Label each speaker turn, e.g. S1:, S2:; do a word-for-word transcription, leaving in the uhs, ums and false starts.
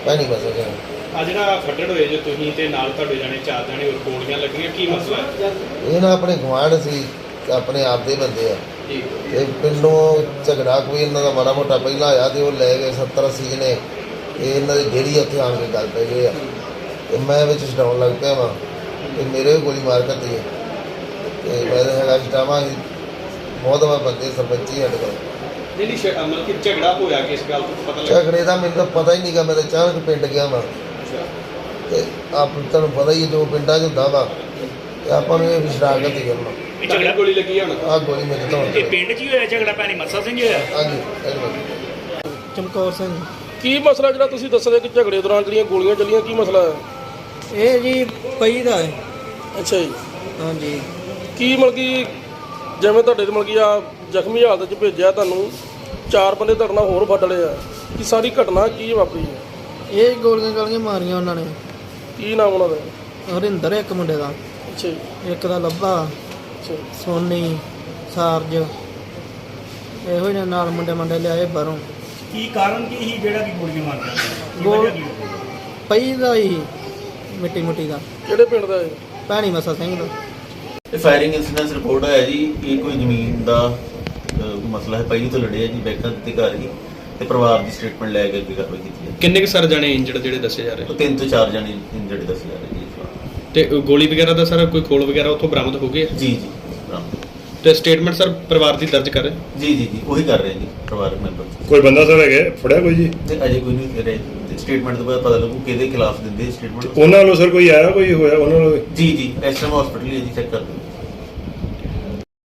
S1: ਭੈਣੀ ਮਸਾ ਸਿੰਘ।
S2: ਆ ਜਿਹੜਾ ਫੱਟੜ ਹੋਏ ਜੋ ਤੁਸੀਂ ਤੇ ਨਾਲ ਤੁਹਾਡੇ ਜਾਣੇ ਚਾਰ ਜਾਣੇ ਹੋਰ ਗੋਲੀਆਂ ਲੱਗੀਆਂ, ਕੀ ਮਸਲਾ ਹੈ?
S1: ਇਹ ਨਾ ਆਪਣੇ ਗੁਆਂਢ ਸੀ, ਆਪਣੇ ਆਪ ਦੇ ਬੰਦੇ ਆ
S2: ਜੀ।
S1: ਤੇ ਪਿੰਡੋਂ ਝਗੜਾ ਕੋਈ ਇਹਨਾਂ ਦਾ ਮਾੜਾ ਮੋਟਾ ਪਹਿਲਾਂ ਆਇਆ ਤੇ ਉਹ ਲੈ ਗਏ ਸੱਤਰ ਅੱਸੀ ਜਣੇ। ਇਹ ਇਹਨਾਂ ਦੀ ਡੇਰੀ ਉੱਥੇ ਆਣ ਕੇ ਗੱਲ ਪੈ ਗਏ ਆ ਤੇ ਮੈਂ ਵਿੱਚ ਛਡਾਉਣ ਲੱਗ ਪਿਆ ਵਾਂ ਤੇ ਮੇਰੇ ਵੀ ਗੋਲੀ ਮਾਰ ਕਰਤੀ ਹੈ ਤੇ ਮੈਂ ਤਾਂ ਹੈਗਾ ਛਡਾਵਾਂ ਸੀ ਬਹੁਤ ਵਾਰ ਬੰਦੇ ਸਰਪੰਚੀ ਸਾਡੇ ਕੋਲ।
S2: ਜਿਹੜੀ ਸ਼- ਮਤਲਬ ਕਿ ਝਗੜਾ ਹੋਇਆ ਕਿਸ ਗੱਲ ਤੋਂ ਪਤਾ ਲੱਗਾ?
S1: ਝਗੜੇ ਦਾ ਮੈਨੂੰ ਤਾਂ ਪਤਾ ਹੀ ਨਹੀਂ ਗਾ, ਮੈਂ ਤਾਂ ਅਚਾਨਕ ਪਿੰਡ ਗਿਆ ਵਾਂ ਤੇ ਆਪ ਤੁਹਾਨੂੰ ਪਤਾ ਹੀ ਹੈ ਜੋ ਪਿੰਡਾਂ 'ਚ ਹੁੰਦਾ ਵਾ ਤੇ ਆਪਾਂ ਨੂੰ ਇਹ ਵੀ ਸ਼ਰਾਕਤ ਹੀ ਕਰਨਾ।
S2: ਇਹ ਝਗੜਾ ਗੋਲੀ ਲੱਗੀ ਆ ਹੁਣ?
S1: ਆਹ ਗੋਲੀ ਮੇਰੇ ਤੋਂ
S3: ਇਹ ਪਿੰਡ 'ਚ ਹੀ ਹੋਇਆ ਝਗੜਾ, ਭੈਣੀ ਮੱਸਾ ਸਿੰਘ ਹੋਇਆ?
S1: ਹਾਂਜੀ ਧੰਨਵਾਦ।
S4: ਚਮਕੌਰ ਸਿੰਘ।
S5: ਕੀ ਮਸਲਾ ਜਿਹੜਾ ਤੁਸੀਂ ਦੱਸ ਰਹੇ ਕਿ ਝਗੜੇ ਦੌਰਾਨ ਜਿਹੜੀਆਂ ਗੋਲੀਆਂ ਚੱਲੀਆਂ, ਕੀ ਮਸਲਾ ਹੈ?
S4: ਇਹ ਜੀ ਪਈ ਦਾ ਹੈ।
S5: ਅੱਛਾ ਜੀ।
S4: ਹਾਂਜੀ।
S5: ਕੀ ਮਤਲਬ ਕਿ ਜਿਵੇਂ ਤੁਹਾਡੇ ਤੇ ਮਤਲਬ ਕਿ ਆ ਜ਼ਖਮੀ ਹਾਲਤ 'ਚ ਭੇਜਿਆ ਤੁਹਾਨੂੰ, ਚਾਰ ਬੰਦੇ ਤੁਹਾਡੇ ਨਾਲ ਹੋਰ ਫੱਟ ਲਏ ਆ, ਕੀ ਸਾਰੀ ਘਟਨਾ ਕੀ ਵਾਪਰੀ ਹੈ?
S4: ਇਹ ਗੋਲੀਆਂ ਗਾਲੀਆਂ ਮਾਰੀਆਂ ਉਹਨਾਂ ਨੇ।
S5: ਕੀ ਨਾਮ ਉਹਨਾਂ ਦਾ?
S4: ਹਰਿੰਦਰ ਇੱਕ ਮੁੰਡੇ ਦਾ,
S5: ਅੱਛਾ ਜੀ।
S4: ਇੱਕ ਦਾ ਲੱਭਾ,
S5: ਅੱਛਾ
S4: ਸੋਨੀ, ਸਾਰਜ, ਇਹੋ ਜਿਹੇ ਨਾਲ ਮੁੰਡੇ ਮੁੰਡੇ ਲਿਆਏ ਬਾਹਰੋਂ।
S3: ਕੀ ਕਾਰਨ ਕੀ ਸੀ ਜਿਹੜਾ ਕਿ ਗੋਲੀਆਂ ਮਾਰਦਾ?
S4: ਗੋਲ ਪਈ ਦਾ ਹੀ ਮਿੱਟੀ ਮੁੱਟੀ ਦਾ।
S5: ਕਿਹੜੇ ਪਿੰਡ ਦਾ ਹੈ?
S4: ਭੈਣੀ ਮਸਾ ਸਿੰਘ ਦਾ।
S6: ਇਹ ਫਾਇਰਿੰਗ ਇਨਸੀਡੈਂਸ ਰਿਪੋਰਟ ਆਇਆ ਜੀ। ਇਹ ਕੋਈ ਜ਼ਮੀਨ ਦਾ ਅਹ, ਮਸਲਾ ਹੈ। ਪਹਿਲੀ ਤੋਂ ਲੜਿਆ ਜੀ, ਬੈਂਕਾਂ ਦੇ ਘਰ ਹੀ ਤੇ ਪਰਿਵਾਰ ਦੀ ਸਟੇਟਮੈਂਟ ਲੈ ਕੇ ਅੱਗੇ ਕਾਰਵਾਈ ਕੀਤੀ ਹੈ।
S2: ਕਿੰਨੇ ਕੁ ਸਰ ਜਾਣੇ ਇੰਜਰਡ ਜਿਹੜੇ ਦੱਸੇ ਜਾ ਰਹੇ?
S6: ਉਹ ਤਿੰਨ ਤੋਂ ਚਾਰ ਜਣੇ ਇੰਜਰਡ ਦੱਸੇ ਜਾ ਰਹੇ ਜੀ ਇਸ ਵਾਰ।
S2: ਤੇ ਗੋਲੀ ਵਗੈਰਾ ਦਾ ਸਰ ਕੋਈ ਖੋਲ ਵਗੈਰਾ ਉੱਥੋਂ ਬਰਾਮਦ ਹੋ ਗਏ?
S6: ਜੀ ਜੀ ਬਰਾਮਦ।
S2: ਤੇ ਸਟੇਟਮੈਂਟ ਸਰ ਪਰਿਵਾਰ ਦੀ ਦਰਜ ਕਰ ਰਹੇ?
S6: ਜੀ ਜੀ ਜੀ ਉਹੀ ਕਰ ਰਹੇ ਜੀ ਪਰਿਵਾਰਕ ਮੈਂਬਰ।
S7: ਕੋਈ ਬੰਦਾ ਸਰ ਹੈਗਾ ਫੜਿਆ ਕੋਈ ਜੀ?
S6: ਤੇ ਅਜੇ ਕੋਈ ਨਹੀਂ ਰਹੇ। ਸਟੇਟਮੈਂਟ ਤੋਂ ਬਾਅਦ ਪਤਾ ਲੱਗੂ ਕਿਹਦੇ ਖਿਲਾਫ ਦਿੰਦੇ ਸਟੇਟਮੈਂਟ।
S7: ਉਹਨਾਂ ਵੱਲੋਂ ਸਰ ਕੋਈ ਆਇਆ, ਕੋਈ ਹੋਇਆ ਉਹਨਾਂ ਵੱਲੋਂ?
S6: ਜੀ ਜੀ ਐਸ ਐਮ ਹਸਪੀਟਲ ਹੀ ਹੈ ਜੀ, ਚੈੱਕ ਕਰ ਦਿਓ।